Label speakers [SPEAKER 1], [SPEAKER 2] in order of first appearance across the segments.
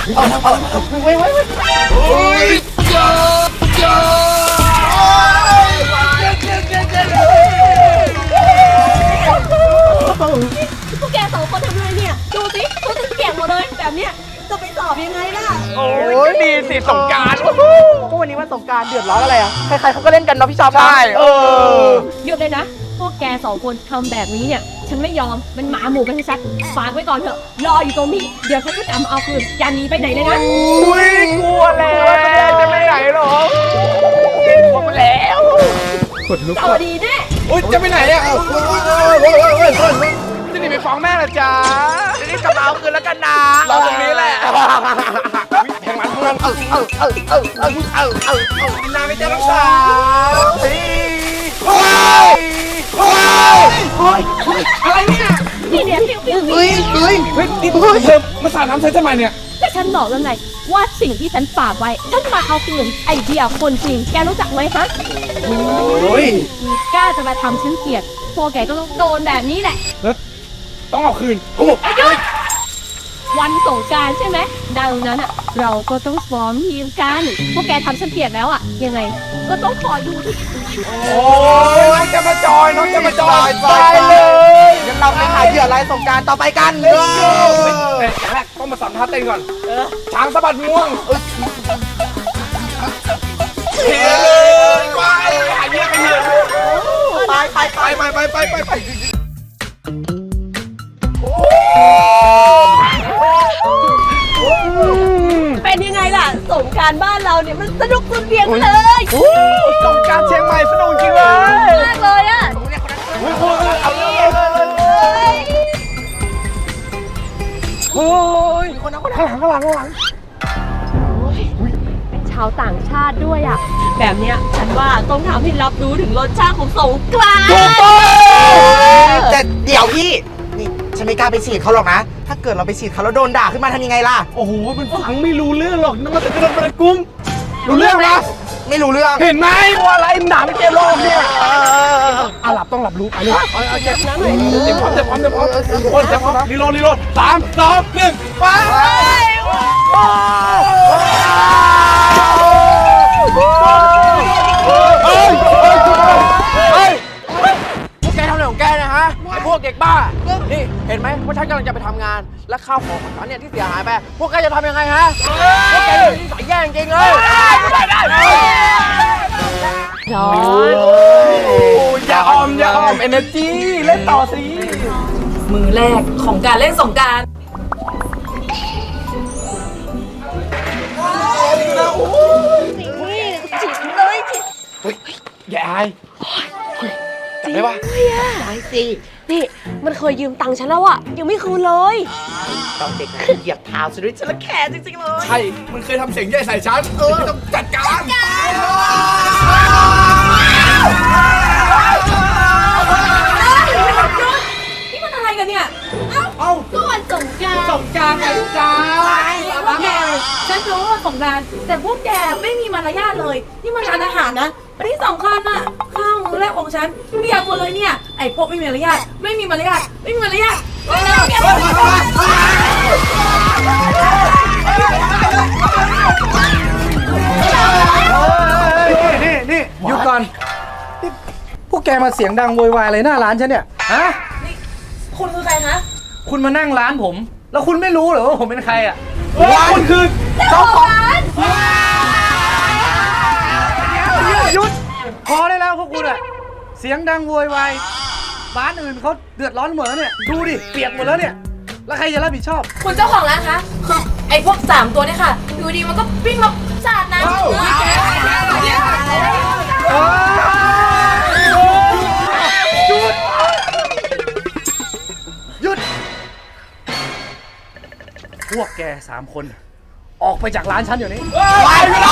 [SPEAKER 1] พวกแกสองคนทำอะไรเนี่ยดูสิตัวจะเปียกหมดเลยแบบเนี้ยจะไปสอบยังไงล่ะ
[SPEAKER 2] โอ้ยดีสิสงกรานต์
[SPEAKER 3] ก็วันนี้วันสงกรานต์เดือดร้อนอะไรอ่ะใครๆเขาก็เล่นกันเนาะพี่ชอบ
[SPEAKER 2] ใช่
[SPEAKER 1] หยุดเลยนะพวกแกสองคนทำแบบนี้เนี่ยฉันไม่ยอมมันหมาหมู่กันชัดฝากไว้ก่อนเถอะรออยู่ตรงนี้เดี๋ยวฉันก็จะเอาคืนอย่าหนีไปไหนเลยนะ
[SPEAKER 2] อุ้ยกลัวแล้วจะไปไหนหรอกลัวแล้ว
[SPEAKER 1] สวัสดีแน่
[SPEAKER 2] อุ้ยจะไปไหนอ่ะจะหนีไปฟ้องแม่ละจ๊ะจะรีบกลับมาเอาคืนแล้วกันนะรอตรงนี้แหละแข่งมันเพื่อนกินน้ำไม่เจอน้องสาวอะไรเนี่ย
[SPEAKER 1] นี่เนี่ยฟิว
[SPEAKER 2] นี่เธอมาสาดน้ำใช้ทำไมเนี่ย
[SPEAKER 1] แต่ฉันบอกแล้วไงว่าสิ่งที่ฉันฝากไว้ฉันมาเอาคืนไอเดียคนจริงแกรู้จักไหมฮะกล้าจะมาทำฉันเกลียดพวกแกก็ต้องโดนแบบนี้แหละ
[SPEAKER 2] ต้องเอาคืน
[SPEAKER 1] วันสงกรานต์ใช่ไหมดังนั้นอ่ะเราก็ต้องซ้อมทีมกันพวกแกทำฉันเกลียดแล้วอ่ะยังไงก็ต้องขอดูที่
[SPEAKER 2] โอ้ยจะมาจอยน้องจะมาจอยไป
[SPEAKER 3] เลยงั้นเราไปหาเหยื่อรายสงกรานต์ต่อไปกัน
[SPEAKER 2] แต่อย่างแรกต้องมาสัมภาษณ์เต้นก่อนช้างสะบัดง่วงเฮ้ยไปหาเหยื่อกันเถอะไป
[SPEAKER 1] เป็นยังไงล่ะสงกรานต์บ้านเราเนี่ยมันสนุกสุดเวียงเลย
[SPEAKER 2] สงกรานต์เชียงใหม่สนุกจริงเลย
[SPEAKER 1] มากเลยอ่ะ
[SPEAKER 2] โอ้ยข้างหลัง
[SPEAKER 1] เป็นชาวต่างชาติด้วยอ่ะแบบเนี้ยฉันว่าต้องทำให้รับรู้ถึงรสชาติของสงกรานต์
[SPEAKER 3] แต่เดี๋ยวพี่นี่ฉันไม่กล้าไปฉีดเขาหรอกนะถ้าเกิดเราไปฉีดเขาแล้วโดนด่าขึ้นมาทำยังไงล่ะ
[SPEAKER 2] โอ้โหมันฟังไม่รู้เรื่องหรอกนั่นมันจะกระโดดกระกุ้มรู้เรื่องไหม
[SPEAKER 3] ไม่รู้เรื่อง
[SPEAKER 2] เห็นไหมว่าอะไรหนาไม่เจ็บโลกเนี่ยหลับต้องหลับรู้ไปเลยเจ็บน้ำเลยเต็มพร้อมรีโหลด3 2 1ไปพวกแกทำอะไรของแกเนี่ยฮะไอ้พวกเด็กบ้านี่เห็นไหมว่าฉันกำลังจะไปทำงานและข้าวของฉันเนี่ยที่เสียหายไปพวกแกจะทำยังไงฮะพวกแกนี่นิสัยแย่จริงเลย
[SPEAKER 1] ร้อน
[SPEAKER 2] อย่าออมเอเนอร์จีเล่นต่อสิ
[SPEAKER 1] มือแรกของการเล่นสงกรานต์
[SPEAKER 2] อย่าอายจับได้ปะ
[SPEAKER 1] ได้สินี่มันเคยยืมตังค์ฉันแล้วอะยังไม่คืนเลย
[SPEAKER 3] ตอนเด็กเหยียบเท้าฉันด้วยฉันละแค่จริงๆเลย
[SPEAKER 2] ใช่มันเคยทำเสียงใหญ่ใส่ฉันต้องจัดการ
[SPEAKER 1] นี่มันอะไรกันเนี่ยเอ้าก็วันสงกรานต์
[SPEAKER 2] ไงจ้า
[SPEAKER 1] พวกแกฉันรู้ว่าสงกรานต์แต่พวกแกไม่มีมารยาทเลยนี่มันร้านอาหารนะที่สำคัญอะข้าวมื้อแรกของฉันไม่อยากหมดเลยเนี่ยไอ้พวกไม่มีมารยาท
[SPEAKER 4] นี่หยุดก่อนพวกแกมาเสียงดังโวยวายอะไรหน้าร้านฉันเนี่ยฮะ
[SPEAKER 1] นี่คุณคือใครคะ
[SPEAKER 4] คุณมานั่งร้านผมแล้วคุณไม่รู้เหรอว่าผมเป็นใครอ่ะ
[SPEAKER 2] คุณคือ
[SPEAKER 1] เจ้าของร้าน
[SPEAKER 4] หยุดพอได้แล้วพวกคุณอะเสียงดังโวยวายบ้านอื่นเขาเดือดร้อนหมดแล้วเนี่ยดูดิเปียกหมดแล้วเนี่ยแล้วใครจะรับผิดชอบ
[SPEAKER 1] คุณเจ้าของร้านคะไอ้พวก3ตัวเนี่ยค่ะอยู่ดีมันก็วิ่งมาสาดน้ำ
[SPEAKER 4] หยุดพวกแก3 คนออกไปจากร้านฉันเดี๋ยวนี้
[SPEAKER 3] ไป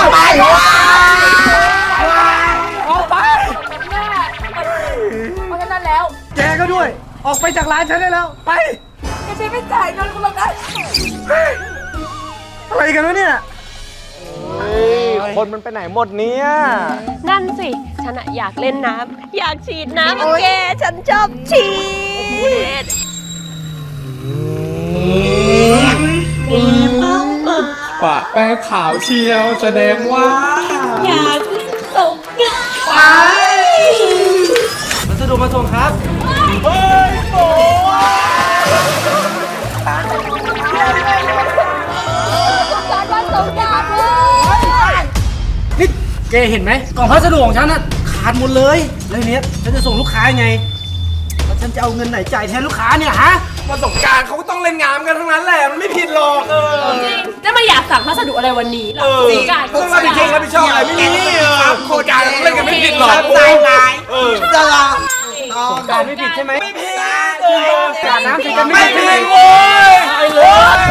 [SPEAKER 4] ออกไป
[SPEAKER 1] เพราะฉะนั้นแล้ว
[SPEAKER 4] แกก็ด้วยออกไปจากร้านฉันได้แล้วไป
[SPEAKER 1] แกใช้ไม่จ่ายเงินคุณหรอกนะ
[SPEAKER 4] อะไรกันวะเนี่ย
[SPEAKER 2] คนมันไปไหนหมดเนี่ย
[SPEAKER 1] นั่นสิฉันอยากเล่นน้ำอยากฉีดน้ำแกฉันชอบฉีด
[SPEAKER 5] แป้งขาวเชียวแสดงว่า
[SPEAKER 1] อยากสงกรานต์
[SPEAKER 4] พัสดุมาส่งครับ
[SPEAKER 1] วันสงกรานต์เลย
[SPEAKER 4] นี่แกเห็นไหมกล่องพัสดุของฉันน่ะขาดหมดเลยแล้วทีเนี้ยฉันจะส่งลูกค้ายังไงแล้วฉันจะเอาเงินไหนจ่ายแทนลูกค้าเนี่ยฮะ
[SPEAKER 5] วันสงกรานต์เขาก็ต้องเล่นงามกันทั้งนั้นแหละ มันไม่ผิดหรอก
[SPEAKER 1] จริงจะมาอยากสั่งพัสดุอะไรวันนี้ล่ะสงกรานต์
[SPEAKER 5] ต้องรับผิดชอบรับผิดชอบอะไรไม่มีโครงการเล่นกันไม่ผิดหรอก
[SPEAKER 3] ใจร้าย จะลา
[SPEAKER 4] การไม่ผิดใช่ไหม
[SPEAKER 5] ไม่ผิด
[SPEAKER 4] การน้ำสิกัน
[SPEAKER 5] ไม่
[SPEAKER 4] ไม่
[SPEAKER 5] ผิ
[SPEAKER 4] ผิ
[SPEAKER 5] ด
[SPEAKER 4] ด
[SPEAKER 5] โว้ย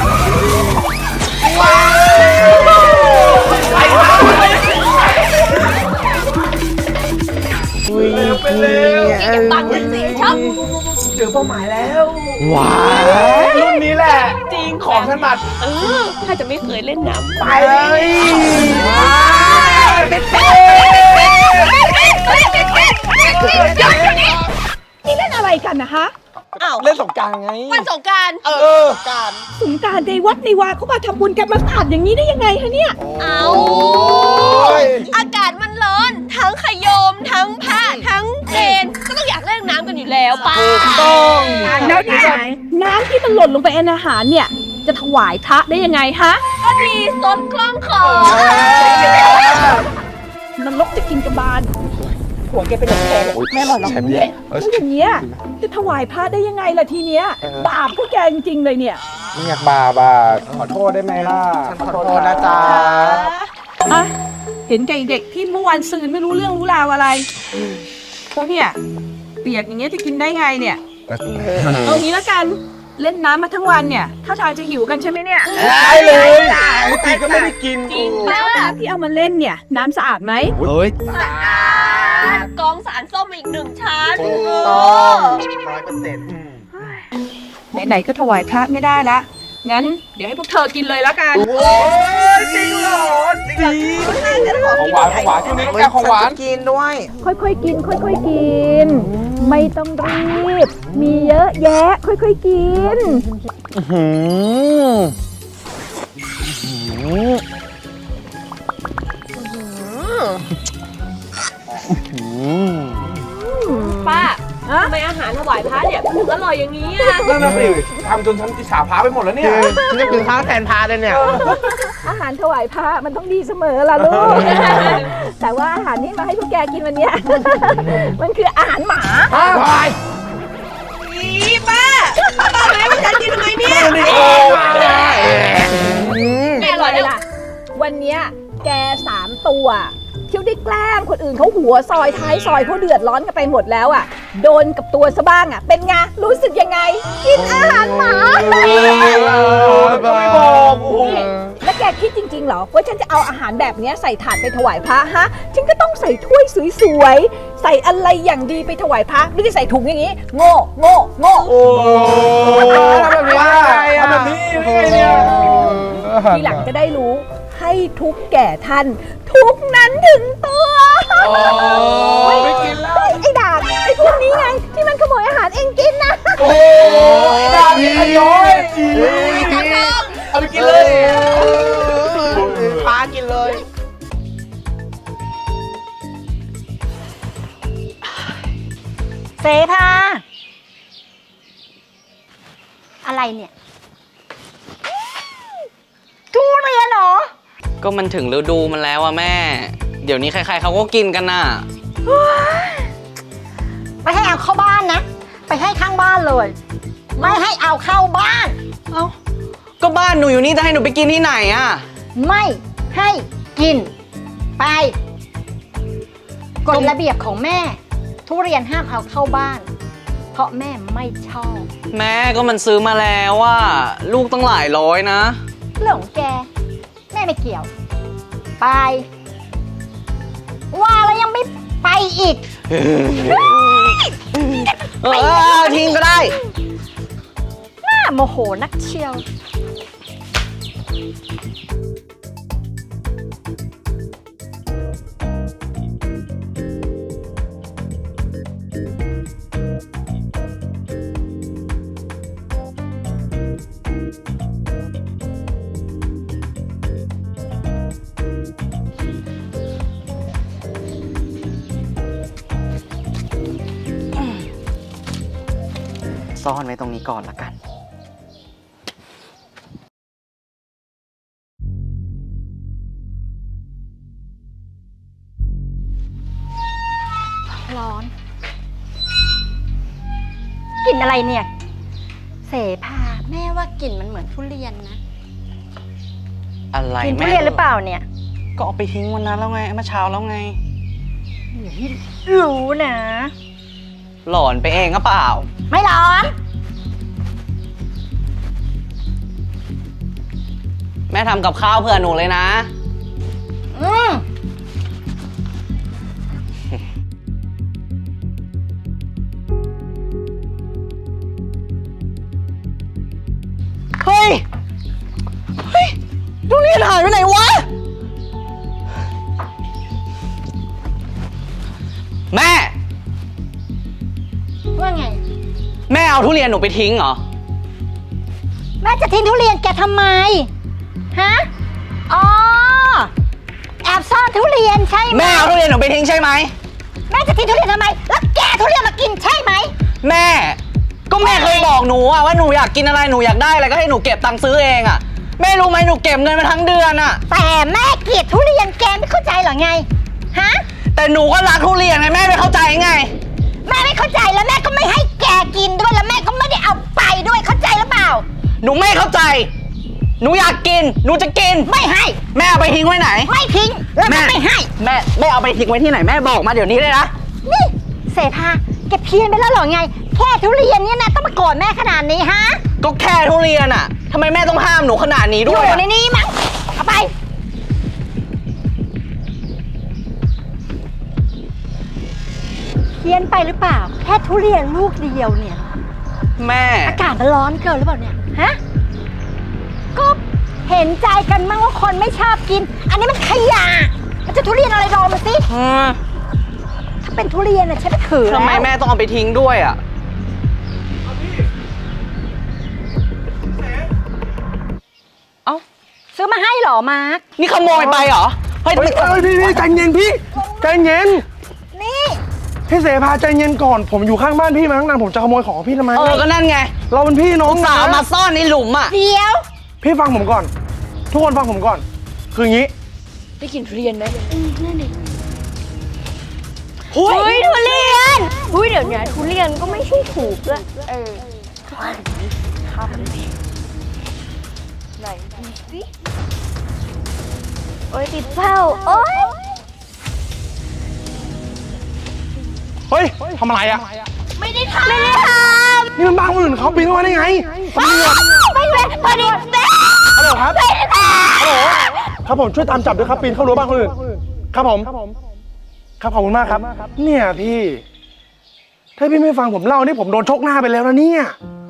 [SPEAKER 1] เก็บตังค์จริงๆครับ
[SPEAKER 5] ว้ายรุ่นนี้แหละ จริงของถนัด
[SPEAKER 1] ถ้าจะไม่เคยเล่นน้ำ
[SPEAKER 5] ไปเลย
[SPEAKER 1] นี่เล่นอะไรกันนะคะอ้าว
[SPEAKER 5] เล่นสงกรานต์ไง
[SPEAKER 1] วันสงกรานต์
[SPEAKER 3] การ
[SPEAKER 1] สงกรานต์ในวัดในวาเขามาทำบุญกันมาสาดอย่างนี้ได้ยังไงคะเนี่ยเอาอากาศมันร้อนทั้งขยมทั้งผ้าทั้งเกณฑ์ก็ต้องอยากเล่นน้ำกันอยู่แล้วป้า
[SPEAKER 5] ต้อง
[SPEAKER 1] แล้วน้ำที่มันหล่นลงไปในอาหารเนี่ย จะถวายพระได้ยังไงฮะก็ดีสดคล่องคอนรกจะกินกระบาลหัวแกเป็นแผลแม่หล่อนหรอกแล้วอย่างเงี้ยจะถวายพระได้ยังไงล่ะทีเนี้ยบาปพวกแกจริงๆเลยเนี่ย
[SPEAKER 5] ไม่อยากบาปอ่ะขอโทษได้ไหมล่ะ
[SPEAKER 3] ขอโทษนะจ๊ะ
[SPEAKER 1] อะเห็นแกเด็กที่เมื่อวานซืนไม่รู้เรื่องรู้ราวอะไรพวกเนี่ยเปียกอย่างเงี้ยจะกินได้ไงเนี่ยเอางี้แล้วกันเล่นน้ำมาทั้งวันเนี่ยถ้าทางจะหิวกันใช่ไหมเนี่ย
[SPEAKER 5] ได้เลยปกติก็ไม่ได้กิน
[SPEAKER 1] แล้วน้ำที่เอามาเล่นเนี่ยน้ำสะอาดไหม
[SPEAKER 5] เฮ้ย
[SPEAKER 1] กองสารส้มมาอีก1 ชั้น
[SPEAKER 3] ต้อง100%
[SPEAKER 1] ไหนๆก็ถวายพระไม่ได้ละงั้นเดี๋ยวให้พวกเธอกินเลยแล้วกัน
[SPEAKER 5] โอ้ยจริงเหรอจริงของหวานของหวานช่วงนี้ต้องแก้ของหวาน
[SPEAKER 3] กินด้วย
[SPEAKER 1] ค่อยๆกิน ค่อยๆกิน ไม่ต้องรีบ มีเยอะแยะ ค่อยๆกิน ป้าทำไมอาหารถวายพระเนี่ยถึงอร่อยอย่างนี้อ่ะ
[SPEAKER 5] นั่นน่ะสิทำจนฉันอิจฉาพาไปหมดแล้วเนี่ย
[SPEAKER 3] ฉันจะกินข้าวแทนพาเลยเนี่ย
[SPEAKER 1] อาหารถวายพระมันต้องดีเสมอล่ะลูก แต่ว่าอาหารที่มาให้พวกแกกินวันเนี้ย มันคืออาหารหมา ป้าให้พวกฉันกินทำไมเนี่ยแม่อร่อยล่ะ วันเนี้ยแก3 ตัวเที่ยวได้แกล้งคนอื่นเขาหัวซอยท้ายซอยเขาเดือดร้อนกันไปหมดแล้วอ่ะ โดนกับตัวซะบ้างอ่ะ เป็นไง รู้สึกยังไง กินอาหารหมา
[SPEAKER 5] ก็ไม่บอก
[SPEAKER 1] นี่แล้วแกคิดจริงๆเหรอว่าฉันจะเอาอาหารแบบเนี้ยใส่ถาดไปถวายพระฮะ ฉันก็ต้องใส่ถ้วยสวยๆ ใส่อะไรอย่างดีไปถวายพระไม่ได้ใส่ถุงอย่างนี้ โง่โง่โง่
[SPEAKER 5] โอ้ทำแบบนี้ทำแบบนี้ได้ไงเนี่ย
[SPEAKER 1] ทีหลังจะได้รู้ให้ทุกแก่ท่าน ทุกนั้นถึงตัว
[SPEAKER 5] ไม่กินแล้ว
[SPEAKER 1] ไอ้ด่างไอ้พวกนี้ไง ที่มันขโมยอาหารเองกินนะ
[SPEAKER 5] โอ้ยดาบขย้อยเอาไปกินเลย
[SPEAKER 3] พากินเลย
[SPEAKER 6] เสพาอะไรเนี่ยทุเรียนเหรอ
[SPEAKER 7] ก็มันถึงฤดูมันแล้วอะแม่ เดี๋ยวนี้ใครๆเขาก็กินกันน่ะ
[SPEAKER 6] ไม่ให้เอาเข้าบ้านนะ ไปให้ข้างบ้านเลย ไม่ให้เอาเข้าบ้าน
[SPEAKER 7] เอ้า ก็บ้านหนูอยู่นี่จะให้หนูไปกินที่ไหนอะ
[SPEAKER 6] ไม่ให้กิน ไปกฎระเบียบของแม่ ทุเรียนห้ามเอาเข้าบ้าน เพราะแม่ไม่ชอบ
[SPEAKER 7] แม่ก็มันซื้อมาแล้วอะลูกตั้งหลายร้อยนะ
[SPEAKER 6] เรื่องของแก แม่ไม่เกี่ยว ไป ว่าแล้วยังไม่ไปอีก
[SPEAKER 7] ทิ้งก็ได้
[SPEAKER 6] น่าโมโหนักเชียว
[SPEAKER 7] ซ่อนไว้ตรงนี้ก่อนละกัน
[SPEAKER 6] ร้อน กลิ่นอะไรเนี่ย เสภาแม่ว่ากลิ่นมันเหมือนทุเรียนนะ
[SPEAKER 7] อะไร
[SPEAKER 6] กลิ่นทุ
[SPEAKER 7] แม่
[SPEAKER 6] เรียนหรือเปล่าเนี่ย
[SPEAKER 7] ก็เอาไปทิ้งวันนั้นแล้วไงเมื่อเช้าแล้วไง
[SPEAKER 6] อย่าให้รู้นะ
[SPEAKER 7] หลอนไปเองก็เปล่า
[SPEAKER 6] ไม่ร้อน
[SPEAKER 7] แม่ทำกับข้าวเผื่อหนูเลยนะ
[SPEAKER 6] อืม
[SPEAKER 7] เฮ้ย เฮ้ยทุเรียนหายไปไหนวะ แม่
[SPEAKER 6] ว่าไง
[SPEAKER 7] แม่เอาทุเรียนหนูไปทิ้งเหรอ
[SPEAKER 6] แม่จะทิ้งทุเรียนแกทำไม ฮะ อ๋อ แอบซ่อนทุเรียนใช่ไหม
[SPEAKER 7] แม่เอาทุเรียนหนูไปทิ้งใช่ไหม
[SPEAKER 6] แม่จะทิ้งทุเรียนทำไม แล้วแกทุเรียนมากินใช่ไหม
[SPEAKER 7] แม่ ก็แม่เคยบอกหนูอะว่าหนูอยากกินอะไรหนูอยากได้อะไรก็ให้หนูเก็บตังค์ซื้อเองอะแม่รู้ไหมหนูเก็บเงินมาทั้งเดือนอะ
[SPEAKER 6] แต่แม่เกลียดทุเรียนแกไม่เข้าใจเหรอไง ฮะ
[SPEAKER 7] แต่หนูก็รักทุเรียนไงแม่ไม่เข้าใจไง
[SPEAKER 6] แม่ไม่เข้าใจแล้วแม่ก็ไม่ให้แกกินด้วยแล้วแม่ก็ไม่ได้เอาไปด้วยเข้าใจหรือเปล่า
[SPEAKER 7] หนูไม่เข้าใจ หนูอยากกิน หนูจะกิน
[SPEAKER 6] ไม่ให้
[SPEAKER 7] แม่เอาไปทิ้งไว้ไหน
[SPEAKER 6] ไม่ทิ้งแล้วก็ไม่ให้
[SPEAKER 7] แม่เอาไปทิ้งไว้ที่ไหนแม่บอกมาเดี๋ยวนี้เลยนะ
[SPEAKER 6] นี่เสภาแกเพี้ยนไปแล้วเหรอไง แค่ทุเรียนเนี่ยนะต้องมาโกรธแม่ขนาดนี้ฮะ
[SPEAKER 7] ก็แค่ทุเรียนอะทำไมแม่ต้องห้ามหนูขนาดนี้
[SPEAKER 6] อ
[SPEAKER 7] ด้วย
[SPEAKER 6] ยู่
[SPEAKER 7] อะ
[SPEAKER 6] ในนี้มั้งเอาไปเพี้ยนไปหรือเปล่า แค่ทุเรียนลูกเดียวเนี่ย
[SPEAKER 7] แม่
[SPEAKER 6] อากาศมันร้อนเกินหรือเปล่าเนี่ย ฮะ ก็เห็นใจกันมั้งว่าคนไม่ชอบกิน อันนี้มันขยะมันจะทุเรียนอะไรรอมาสิ ถ้าเป็นทุเรียนน่ะฉันไม่ถือแล้ว
[SPEAKER 7] ทำไมแม่ต้องเอาไปทิ้งด้วยอะ เอ้า
[SPEAKER 6] ซื้อมาให้เหรอมาร์ค
[SPEAKER 7] นี่ขโมยไปเหรอ เฮ้ย
[SPEAKER 4] พี่ใจเย็นพี่ใจเย็น
[SPEAKER 6] นี่
[SPEAKER 4] พี่เสภาใจเย็นก่อน ผมอยู่ข้างบ้านพี่มาตั้งนานผมจะขโมยของพี่ทำไม
[SPEAKER 7] ก็นั่นไง
[SPEAKER 4] เราเป็นพี่น้อง
[SPEAKER 7] สาว
[SPEAKER 4] นะ
[SPEAKER 7] มาซ่อนในหลุมอะ
[SPEAKER 6] เดี๋ยว
[SPEAKER 4] พี่ฟังผมก่อน ทุกคนฟังผมก่อน คืออย่างนี้
[SPEAKER 6] หุยทุเรียนหุยเดี๋ยวนี้ทุเรียนก็ไม่ใช่ถูกด้วยไหนดูสิโอ้ยติดเป้าโอ้ย
[SPEAKER 4] เฮ้ยทำอะไรอ่ะ
[SPEAKER 6] ไม่ได้ทำไม่ได้ท
[SPEAKER 4] นี่มันบ้านคนอื่นเขาปีนเข้ามาได้ไง
[SPEAKER 6] ำไม่ได้พอดีแม่
[SPEAKER 4] ฮัลโหลครับ
[SPEAKER 6] ไม่ได้ท
[SPEAKER 4] ฮัลโหลครับผมช่วยตามจับด้วยครับปีนเข้ารั้วบ้านคนอื่น ครับผม ครับขอบคุณมากครับ เนี่ยพี่ ถ้าพี่ไม่ฟังผมเล่านี่ผมโดนชกหน้าไปแล้วนะเนี่ย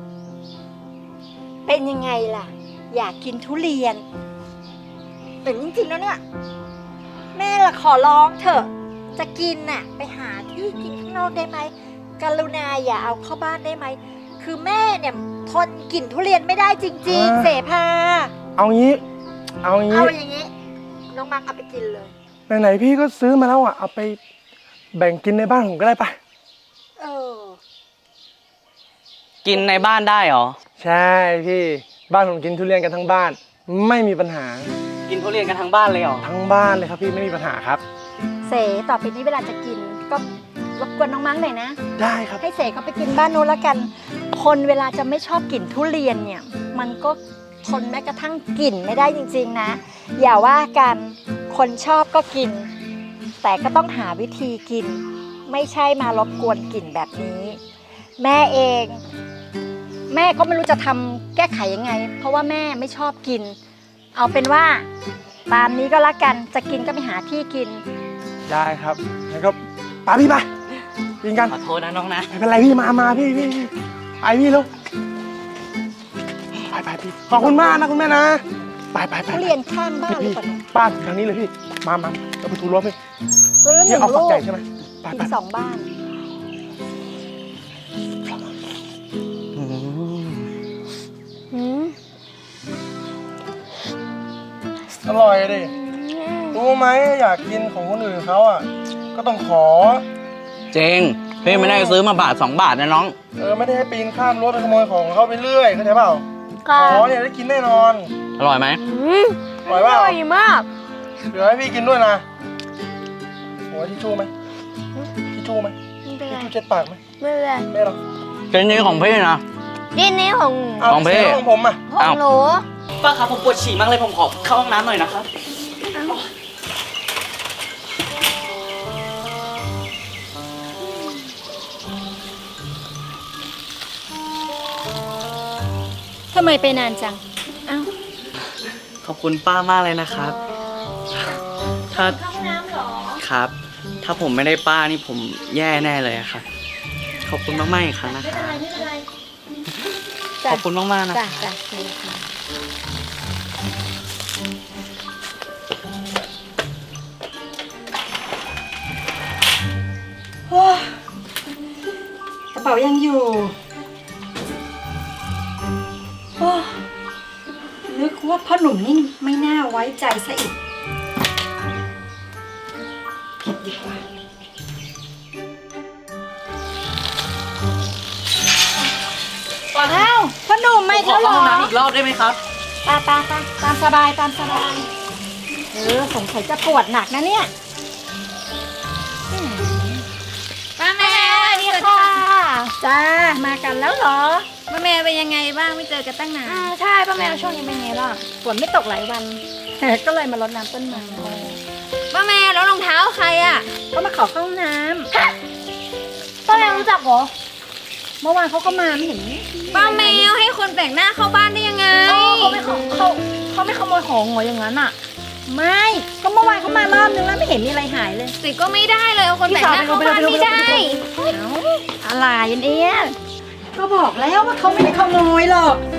[SPEAKER 6] ำเป็นยังไงล่ะ อยากกินทุเรียนแต่จริงๆแล้วเนี่ย แม่ละขอร้องเถอะ จะกินน่ะ ไปหาที่กินข้างนอกได้ไหมกรุณาอย่าเอาเข้าบ้านได้ไหม คือแม่เนี่ยทนกลิ่นทุเรียนไม่ได้จริงๆ เสภา
[SPEAKER 4] เอางี้ เอางี้
[SPEAKER 6] เอาอย่างนี้ น้องมักเอาไปกินเลย
[SPEAKER 4] ไหนๆพี่ก็ซื้อมาแล้วอ่ะ เอาไปแบ่งกินในบ้านผมก็ได้ปะ
[SPEAKER 6] เออ
[SPEAKER 7] กินในบ้านได้เหรอ
[SPEAKER 4] ใช่พี่ บ้านผมกินทุเรียนกันทั้งบ้าน ไม่มีปัญหา
[SPEAKER 7] กินทุเรียนกันทั้งบ้านเลยเหรอ
[SPEAKER 4] ทั้งบ้านเลยครับพี่ไม่มีปัญหาครับ
[SPEAKER 6] เสต่อไปนี้เวลาจะกินก็รบกวนน้องมังหน่อยนะ
[SPEAKER 4] ได้ครับ
[SPEAKER 6] ให้เสเขาไปกินบ้านนู้นแล้วกัน คนเวลาจะไม่ชอบกลิ่นทุเรียนเนี่ย มันก็ทนแม้กระทั่งกลิ่นไม่ได้จริงๆนะ อย่าว่ากัน คนชอบก็กิน แต่ก็ต้องหาวิธีกิน ไม่ใช่มารบกวนกลิ่นแบบนี้ แม่เอง แม่ก็ไม่รู้จะทำแก้ไขยังไง เพราะว่าแม่ไม่ชอบกิน เอาเป็นว่าตามนี้ก็แล้วกัน จะกินก็ไปหาที่กิน
[SPEAKER 4] ได้ครับงั้นก็ไปพี่ไปกินกัน
[SPEAKER 7] ขอโทษนะน้องนะ
[SPEAKER 4] ไม่เป็นไรพี่มาพี่ไปพี่ลูกไปพี่ขอบคุณมากนะคุณแม่นะไป
[SPEAKER 6] ทุเรียนข้างบ้านหรือ
[SPEAKER 4] พี่
[SPEAKER 6] เปล่าเนี่ย
[SPEAKER 4] ป้าทางนี้เลยพี่มาเราไปทูรั้วพี่
[SPEAKER 6] ตัวละห
[SPEAKER 4] พี่
[SPEAKER 6] นึ่ง
[SPEAKER 4] เอาฝั
[SPEAKER 6] ลู
[SPEAKER 4] ก
[SPEAKER 6] ก
[SPEAKER 4] ใหญ่ใช่ไหมไป
[SPEAKER 6] ถึงสองบ้าน หืม
[SPEAKER 4] อร่อยดิรู้ไหมอยากกินของคนอื่นเขาอ่ะก็ต้องขอ
[SPEAKER 7] เจงพี่ไม่ได้ซื้อมาบาท 2 บาทนะน้อง
[SPEAKER 4] ไม่ได้ให้ปีนข้ามรั้วไปขโมยของเขาไปเรื่อยเข้าใจเปล่า
[SPEAKER 6] ค่ะ
[SPEAKER 4] อ๋อเนี่ยได้กินแน่นอน
[SPEAKER 7] อร่อยไหม
[SPEAKER 4] อร่อยเปล่า
[SPEAKER 6] อร่อยมาก
[SPEAKER 4] เดี๋ยวให้พี่กินด้วยนะโอ้ยทิชชู่ไหมทิชชู่ไหม
[SPEAKER 6] ไม่เป็น
[SPEAKER 4] ทิช
[SPEAKER 6] ไร
[SPEAKER 4] ชู่เช็ดปากไหม
[SPEAKER 6] ไม่เป็นไร
[SPEAKER 4] ไม่หรอก
[SPEAKER 7] เป็นนี้ของพี่นะ
[SPEAKER 6] ดินนี้ของ
[SPEAKER 4] เอา
[SPEAKER 7] ของพี่
[SPEAKER 4] เสียของผมอ่ะ
[SPEAKER 6] ของหนู
[SPEAKER 7] ป้าครับผมปวดฉี่มากเลยผมขอเข้าห้องน้ำหน่อยนะครับ
[SPEAKER 6] ทำไมไปนานจัง อ้าว
[SPEAKER 7] ขอบคุณป้ามากเลยนะครับ ถ้า
[SPEAKER 6] ห้องน้ำเหรอ
[SPEAKER 7] ครับ ถ้าผมไม่ได้ป้านี่ผมแย่แน่เลยอะครับ ขอบคุณมากๆอีกครั้งนะ
[SPEAKER 6] ไม่
[SPEAKER 7] ค
[SPEAKER 6] เป็น
[SPEAKER 7] รับ
[SPEAKER 6] ไรไม่เป็นไร
[SPEAKER 7] ขอบคุณมากๆนะ
[SPEAKER 6] จ้ะจ้ะจ้ะ
[SPEAKER 8] กระเป๋ายังอยู่โอ้นึกว่าพ่อหนุ่มนี่ไม่น่าไว้ใจซะอีกผิดดีกว่า
[SPEAKER 6] อ้าวพ่อหนุ่มไม่
[SPEAKER 7] ขอ
[SPEAKER 6] เท่าหร
[SPEAKER 7] เข้าห้อง
[SPEAKER 6] อ
[SPEAKER 7] น้ำอีกรอบได้ไหมครับ
[SPEAKER 6] ไปไปไปตามสบายตามสบายสงสัยจะปวดหนักนะเนี่ยป้าแม่นี่ค่ะจ้ามากันแล้วเหรอ
[SPEAKER 9] ป้าแมวเป็นยังไงบ้างไม่เจอกันตั้งนาน
[SPEAKER 6] ใช่ป้าแมวช่วงนี้เป็นไงล่ะฝนไม่ตกหลายวัน ก็เลยมารดน้ำต้นไม้
[SPEAKER 9] ป้าแมวแล้วรองเท้าใครอ่ะ
[SPEAKER 6] ก็มาขอเข้าห้องน้ำป้าแมวรู้จักเหรอเมื่อวานเขาก็มาไม่เห็น
[SPEAKER 9] ป้าแมวให้คนแปลกหน้าเข้าบ้านได้ยังไง
[SPEAKER 6] เขาไม่ขโมยของเหรออย่างนั้นอ่ะ ไม่ก็เมื่อวานเขามารอบนึงแล้วไม่เห็นมีอะไรหายเลย
[SPEAKER 9] สิก็ไม่ได้เลยเอาคนแปลกหน้าเข้าบ้านไม่ได้
[SPEAKER 6] อะไรเนี่ย
[SPEAKER 8] ก็บอกแล้วว่าเขาไม่ได้ขโมยหรอก